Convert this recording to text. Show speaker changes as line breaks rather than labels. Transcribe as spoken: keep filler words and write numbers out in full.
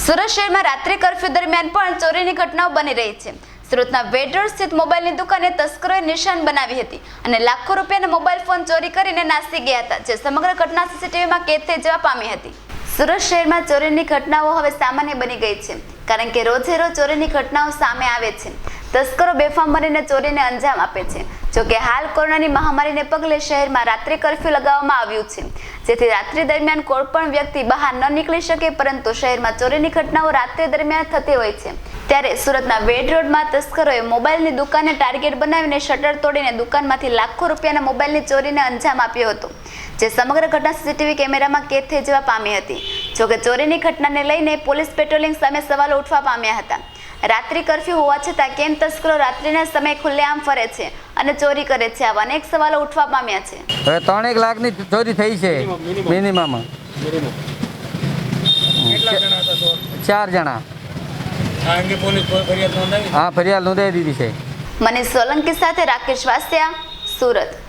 સુરત શહેરમાં રાત્રિ કર્ફ્યુ દરમિયાન પણ ચોરીની ઘટનાઓ બની રહી છે। સુરતના વેડ રોડ સ્થિત મોબાઈલની દુકાને તસ્કરોએ નિશાન બનાવી હતી અને લાખો રૂપિયાના મોબાઈલ ફોન ચોરી કરીને નાસી ગયા હતા, જે સમગ્ર ઘટના સીસીટીવીમાં કેદ થઈ જવા પામી હતી। સુરત શહેરમાં ચોરીની ઘટનાઓ હવે સામાન્ય બની ગઈ છે, કારણ કે રોજે રોજ ચોરીની ઘટનાઓ સામે આવે છે। તસ્કરો બેફામ બનીને ચોરીને અંજામ આપે છે। જોકે હાલ કોરોનાની મહામારીને પગલે શહેરમાં રાત્રિ કર્ફ્યુ લગાવવામાં આવ્યું છે, જેથી રાત્રિ દરમિયાન કોઈ પણ વ્યક્તિ બહાર ન નીકળી શકે, પરંતુ શહેરમાં ચોરીની ઘટનાઓ રાત્રિ દરમિયાન થતી હોય છે। ત્યારે સુરતના વેડ રોડમાં તસ્કરોએ મોબાઈલની દુકાનને ટાર્ગેટ બનાવીને શટર તોડીને દુકાનમાંથી લાખો રૂપિયાના મોબાઈલની ચોરીને અંજામ આપ્યો હતો, જે સમગ્ર ઘટના સીસીટીવી કેમેરામાં કેદ થઈ જવા પામી હતી। જોકે ચોરીની ઘટનાને લઈને પોલીસ પેટ્રોલિંગ સામે સવાલો ઉઠવા પામ્યા હતા। રાત્રિ કર્ફ્યુ હોવા છતાં કેમ તસ્કરો રાત્રિના સમયે ખુલ્લેઆમ ફરે છે અને ચોરી કરે છે, આવા અનેક સવાલો ઉઠવા પામ્યા છે।
હવે ત્રણેક લાખની ચોરી થઈ છે મિનિમમ। ચાર જણા। હા, ફરિયાદ નોંધાવી દીધી છે।
મનીષ સોલંકી સાથે રાકેશ વાસિયા, સુરત।